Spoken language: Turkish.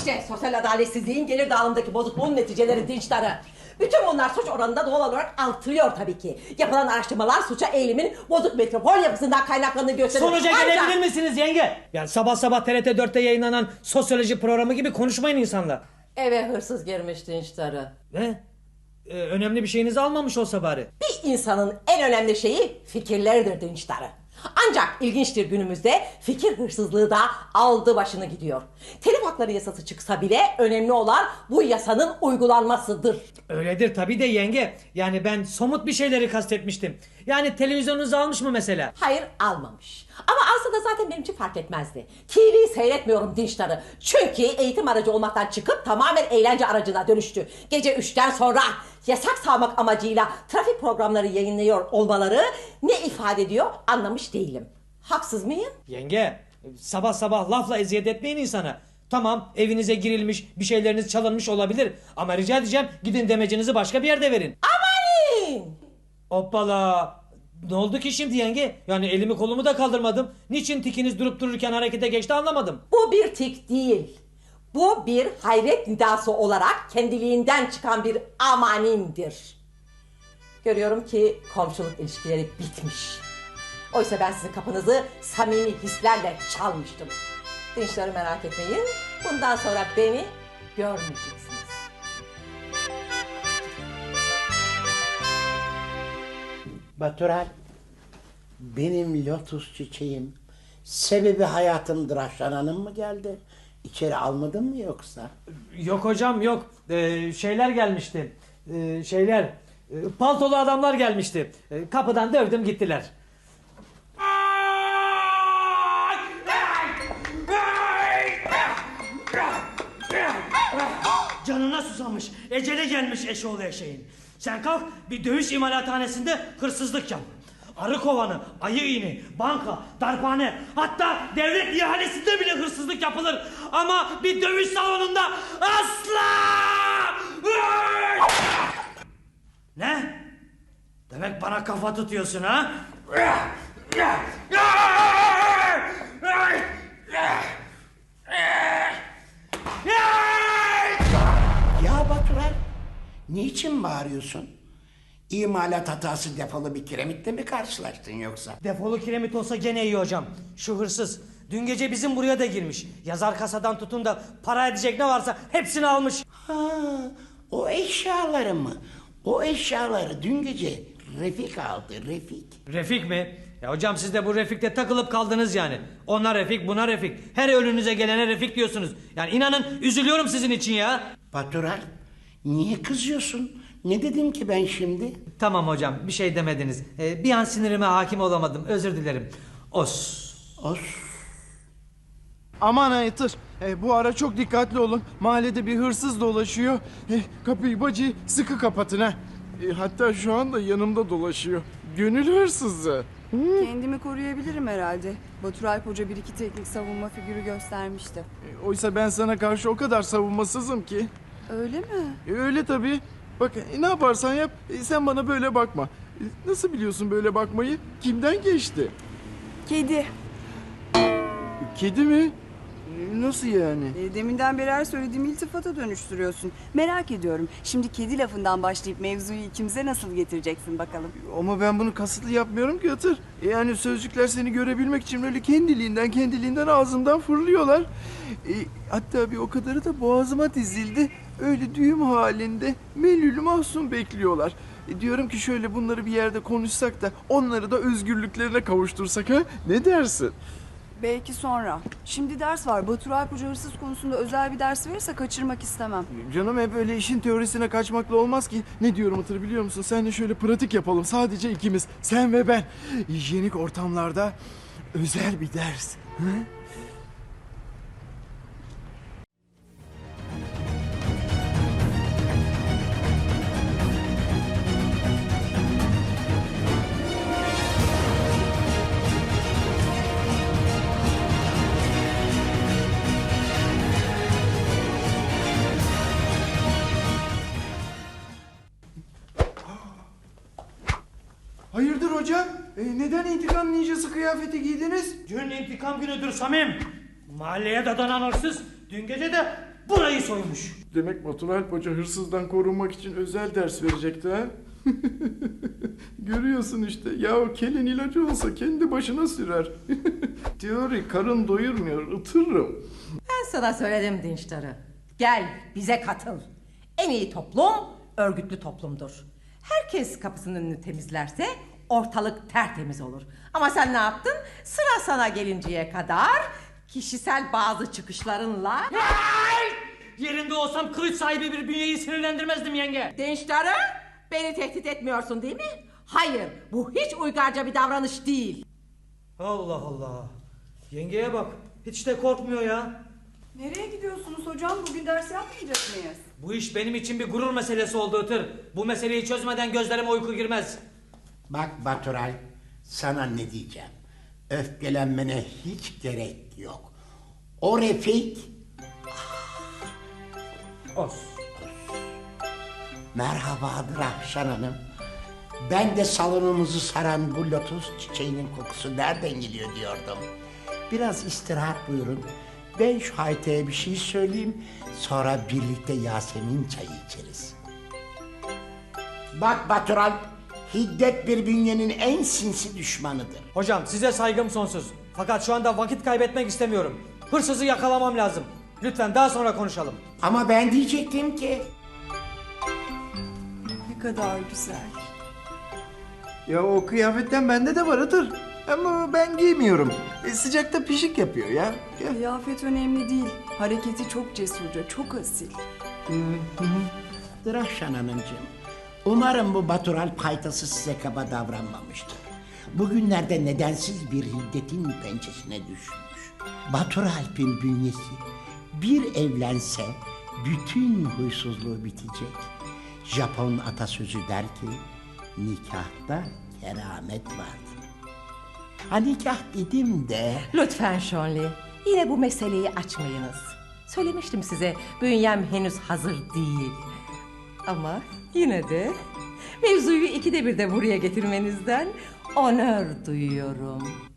İşte sosyal adaletsizliğin, gelir dağılımındaki bozukluğun neticeleri, dinçleri. Bütün bunlar suç oranında doğal olarak artıyor tabii ki. Yapılan araştırmalar suça eğilimin bozuk metropol yapısından kaynaklandığını gösteriyor. Sonuca gelebilir misiniz yenge? Yani sabah sabah TRT 4'te yayınlanan sosyoloji programı gibi konuşmayın insanla. Eve hırsız girmiş dinçleri. Ne? Önemli bir şeyinizi almamış olsa bari. Bir insanın en önemli şeyi fikirleridir dinçleri. Ancak ilginçtir, günümüzde fikir hırsızlığı da aldı başını gidiyor. Telif hakları yasası çıksa bile önemli olan bu yasanın uygulanmasıdır. Öyledir tabii de yenge. Yani ben somut bir şeyleri kastetmiştim. Yani televizyonunuzu almış mı mesela? Hayır, almamış. Ama alsa da zaten benim için fark etmezdi. TV seyretmiyorum dinçleri. Çünkü eğitim aracı olmaktan çıkıp tamamen eğlence aracına dönüştü. Gece 3'ten sonra yasak sağlamak amacıyla trafik programları yayınlıyor olmaları ne ifade ediyor anlamış değilim. Haksız mıyım? Yenge, sabah sabah lafla eziyet etmeyin insana. Tamam, evinize girilmiş, bir şeyleriniz çalınmış olabilir. Ama rica edeceğim, gidin demecinizi başka bir yerde verin. Amanin! Hoppala! Ne oldu ki şimdi yenge? Yani elimi kolumu da kaldırmadım. Niçin tikiniz durup dururken harekete geçti anlamadım. Bu bir tik değil. Bu bir hayret nidası olarak kendiliğinden çıkan bir amanindir. Görüyorum ki komşuluk ilişkileri bitmiş. Oysa ben sizin kapınızı samimi hislerle çalmıştım. Dinçleri merak etmeyin. Bundan sonra beni görmeyeceksiniz. Batural, benim lotus çiçeğim, sebebi hayatımdır Hanım mı geldi? İçeri almadın mı yoksa? Yok hocam yok. Şeyler gelmişti. Paltolu adamlar gelmişti. Kapıdan dövdüm gittiler. Canına susamış. Ecele gelmiş eşoğlu eşeğin. Sen kalk bir dövüş imalathanesinde hırsızlık yap. Arı kovanı, ayı iğni, banka, darphane, hatta devlet ihalesinde bile hırsızlık yapılır. Ama bir dövüş salonunda asla! Ne? Demek bana kafa tutuyorsun ha? Ya Batural, niçin bağırıyorsun? İmalat hatası defolu bir kiremitle mi karşılaştın yoksa? Defolu kiremit olsa gene iyi hocam. Şu hırsız dün gece bizim buraya da girmiş. Yazar kasadan tutun da para edecek ne varsa hepsini almış. Ha, o eşyaları mı? O eşyaları dün gece Refik aldı, Refik. Refik mi? Ya hocam siz de bu Refik'te takılıp kaldınız yani. Ona Refik, buna Refik. Her önünüze gelene Refik diyorsunuz. Yani inanın üzülüyorum sizin için ya. Batural, niye kızıyorsun? Ne dedim ki ben şimdi? Tamam hocam bir şey demediniz. Bir an sinirime hakim olamadım. Özür dilerim. Os. Os. Aman Aytır, bu ara çok dikkatli olun. Mahallede bir hırsız dolaşıyor. Kapıyı bacı sıkı kapatın ha. Hatta şu anda yanımda dolaşıyor. Gönül hırsızı. Kendimi koruyabilirim herhalde. Batur Alp Hoca bir iki teknik savunma figürü göstermişti. Oysa ben sana karşı o kadar savunmasızım ki. Öyle mi? Öyle tabii. Bak ne yaparsan yap sen bana böyle bakma. Nasıl biliyorsun böyle bakmayı? Kimden geçti? Kedi. Kedi mi? Nasıl yani? Deminden beri her söylediğimi iltifata dönüştürüyorsun. Merak ediyorum. Şimdi kedi lafından başlayıp mevzuyu ikimize nasıl getireceksin bakalım. Ama ben bunu kasıtlı yapmıyorum ki Hatır. Yani sözcükler seni görebilmek için öyle kendiliğinden ağzımdan fırlıyorlar. Hatta bir o kadarı da boğazıma dizildi. Öyle düğüm halinde melül mahzun bekliyorlar. Diyorum ki şöyle bunları bir yerde konuşsak da onları da özgürlüklerine kavuştursak ha? Ne dersin? Belki sonra. Şimdi ders var. Batur Alp Hoca hırsız konusunda özel bir ders verirse kaçırmak istemem. Canım hep öyle işin teorisine kaçmakla olmaz ki. Ne diyorum Hatır biliyor musun? Seninle şöyle pratik yapalım. Sadece ikimiz. Sen ve ben. Hijyenik ortamlarda özel bir ders. Hı? Hayırdır hocam? Neden intikam ninjası kıyafeti giydiniz? Dün intikam günüdür Samim. Mahalleye dadanan hırsız dün gece de burayı soymuş. Demek Batur Alp Hoca hırsızdan korunmak için özel ders verecekti ha? Görüyorsun işte. Ya o kelin ilacı olsa kendi başına sürer. Teori karın doyurmuyor, ıtırırım. Ben sana söyledim Dinçtar'ı. Gel bize katıl. En iyi toplum örgütlü toplumdur. Herkes kapısının önünü temizlerse ortalık tertemiz olur. Ama sen ne yaptın? Sıra sana gelinceye kadar kişisel bazı çıkışlarınla... Yerinde olsam kılıç sahibi bir bünyeyi sinirlendirmezdim yenge. Dinçtar'ı beni tehdit etmiyorsun değil mi? Hayır, bu hiç uygarca bir davranış değil. Allah Allah. Yengeye bak. Hiç de korkmuyor ya. Nereye gidiyorsunuz hocam? Bugün ders yapmayacak mıyız? Bu iş benim için bir gurur meselesi oldu Itır. Bu meseleyi çözmeden gözlerime uyku girmez. Bak Baturay, sana ne diyeceğim. Öfkelenmene hiç gerek yok. O Refik... Os. Merhabadır Ahşan Hanım. Ben de salonumuzu saran bu lotus çiçeğinin kokusu nereden geliyor diyordum. Biraz istirahat buyurun. Ben şu Hayte'ye bir şey söyleyeyim. Sonra birlikte Yasemin çayı içeriz. Bak Batural, hiddet bir bünyenin en sinsi düşmanıdır. Hocam size saygım sonsuz. Fakat şu anda vakit kaybetmek istemiyorum. Hırsızı yakalamam lazım. Lütfen daha sonra konuşalım. Ama ben diyecektim ki... Ne kadar güzel. Ya o kıyafetten bende de var Itır. Ama ben giymiyorum. Sıcakta pişik yapıyor ya. Gel. Kıyafet önemli değil. Hareketi çok cesurca, çok asil. Ahşan Hanımcığım, umarım bu Batural paytası size kaba davranmamıştır. Bugünlerde nedensiz bir hiddetin pençesine düşmüş. Baturalp'in bünyesi bir evlense bütün huysuzluğu bitecek. Japon atasözü der ki, nikahta keramet vardır. Ha nikah dedim de... Lütfen Şonli, yine bu meseleyi açmayınız. Söylemiştim size, bünyem henüz hazır değil. Ama yine de mevzuyu ikide bir de buraya getirmenizden onur duyuyorum.